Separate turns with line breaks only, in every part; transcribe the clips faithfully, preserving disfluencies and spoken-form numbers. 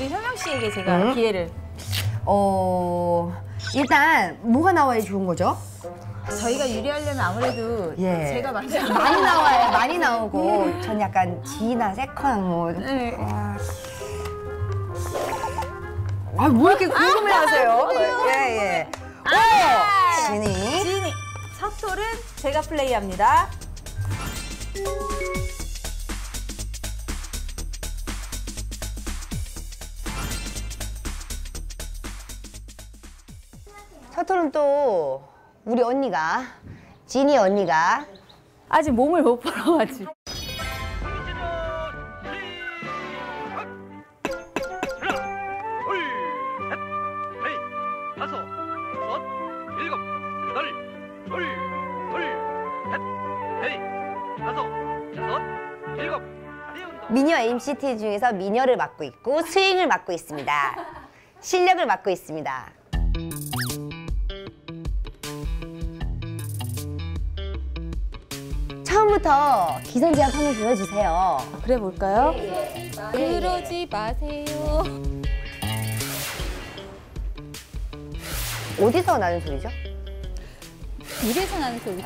우리 현명 씨에게 제가
음?
기회를.
어 일단 뭐가 나와야 좋은 거죠?
저희가 유리하려면 아무래도
예.
제가 먼저
많이 나와요. 많이 나오고 전 약간 G나 세컨 뭐.
네.
아, 뭐 이렇게 궁금해하세요? 예, 예.
아!
지니.
지니. 첫 톨은 제가 플레이합니다.
첫 톨은 또 우리 언니가, 지니 언니가
아직 몸을 못 풀어가지고.
미녀 엠시티 중에서 미녀를 맡고 있고 스윙을 맡고 있습니다. 실력을 맡고 있습니다. 처음부터 기선제압 한번 보여주세요.
그래 볼까요?
그러지 마세요.
어디서 나는 소리죠?
입에서 나는 소리.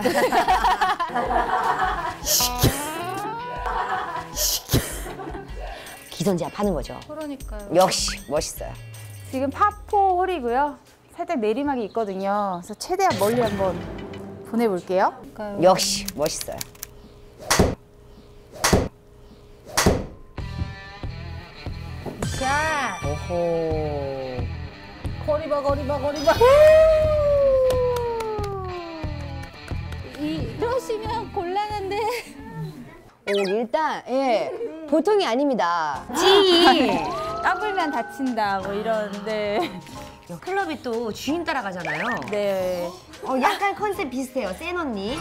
기선제압 하는 거죠.
그러니까요.
역시 멋있어요.
지금 파포 홀이고요. 살짝 내리막이 있거든요. 그래서 최대한 멀리 한번 보내볼게요.
역시 멋있어요.
자,
오호.
거리봐, 거리봐, 거리봐.
이러시면 곤란한데.
오, 일단 예 보통이 아닙니다. 찌.
까불면 다친다, 뭐 이런데.
클럽이 또 주인 따라가잖아요.
네.
어, 약간 컨셉 비슷해요. 센 언니.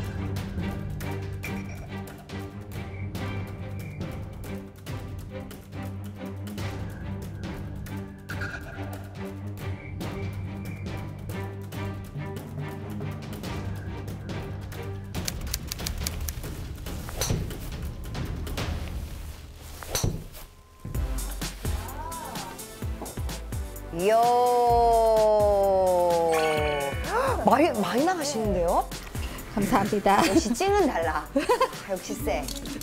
이야. 많이, 많이 나가시는데요?
감사합니다.
역시 찡은 달라. 아, 역시 쎄.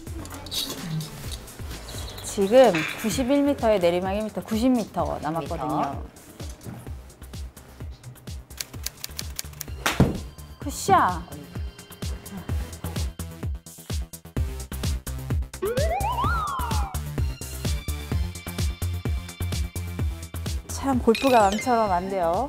지금 구십일 미터에 내리막 일 미터, 구십 미터 남았거든요. 굿샷! 참 골프가 남처럼 안 돼요.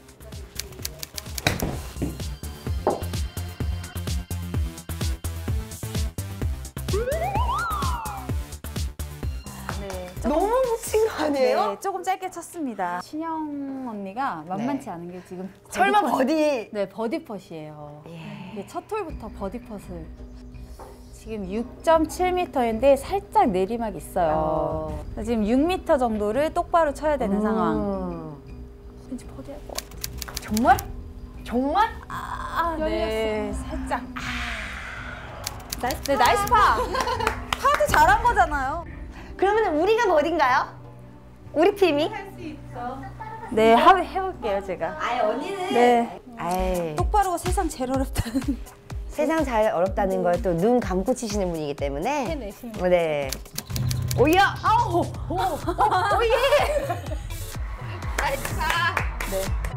네, 조금,
너무 묻힌 거 아니에요?
네, 조금 짧게 쳤습니다. 신영 언니가 만만치
네.
않은 게 지금
설마
버디
버디.
네, 버디 펫이에요.
예.
이게 첫 홀부터 버디 펫을. 지금 육 점 칠 미터인데 살짝 내리막이 있어요.
어.
지금 육 미터 정도를 똑바로 쳐야 되는
음.
상황. 왠지 버디 할 것 같아.
정말? 정말?
아, 네, 살짝. 나이스, 네, 나이스 파. 파도 잘한 거잖아요.
그러면 우리가 버디인가요? 우리 팀이?
네, 하, 해볼게요, 제가.
아예 언니는?
네.
아이,
똑바로가 세상 제일 어렵다는.
세상 잘 어렵다는 걸 또 눈 감고 치시는 분이기 때문에.
해내시는
네. 오야!
아우! 오! 오! 오! 예!
나이스 파!
네.